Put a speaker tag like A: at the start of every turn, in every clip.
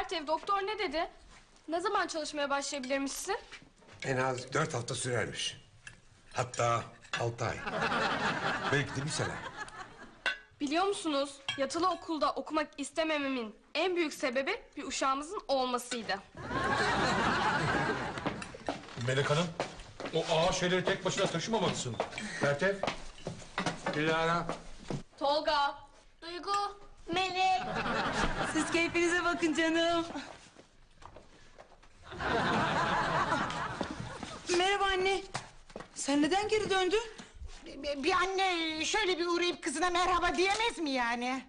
A: Pertev, doktor ne dedi? Ne zaman çalışmaya başlayabilirmişsin?
B: En az 4 hafta sürermiş. Hatta 6 ay. Belki de bir sene.
A: Biliyor musunuz? Yatılı okulda okumak istemememin en büyük sebebi bir uşağımızın olmasıydı.
C: Melek Hanım, o ağır şeyleri tek başına taşımamalısın. Pertev.
B: Dilara.
A: Tolga.
D: Duygu, Melek.
E: Siz keyfinize bakın canım. Merhaba anne. Sen neden geri döndün?
F: Bir anne şöyle bir uğrayıp kızına merhaba diyemez mi yani?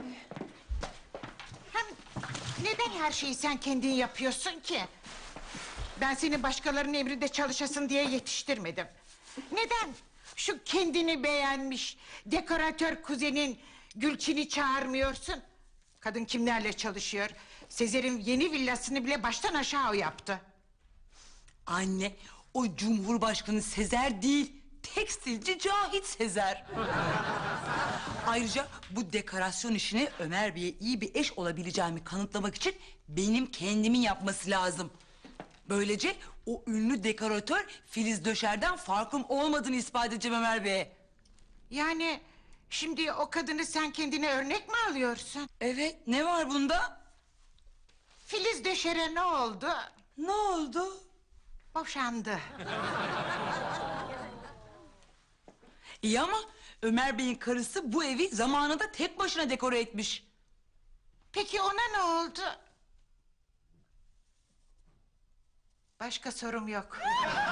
F: Hem neden her şeyi sen kendin yapıyorsun ki? Ben seni başkalarının emrinde çalışasın diye yetiştirmedim. Neden şu kendini beğenmiş dekoratör kuzenin Gülçin'i çağırmıyorsun? Kadın kimlerle çalışıyor? Sezer'in yeni villasını bile baştan aşağı o yaptı.
E: Anne, o Cumhurbaşkanı Sezer değil, tekstilci Cahit Sezer. Ayrıca bu dekorasyon işini Ömer Bey'e iyi bir eş olabileceğimi kanıtlamak için benim kendimin yapması lazım. Böylece o ünlü dekoratör Filiz Döşer'den farkım olmadığını ispat edeceğim Ömer Bey'e.
F: Yani şimdi o kadını sen kendine örnek mi alıyorsun?
E: Evet, ne var bunda?
F: Filiz Döşer'e ne oldu?
E: Ne oldu?
F: Boşandı.
E: İyi ama Ömer Bey'in karısı bu evi zamanında tek başına dekore etmiş.
F: Peki ona ne oldu? Başka sorum yok.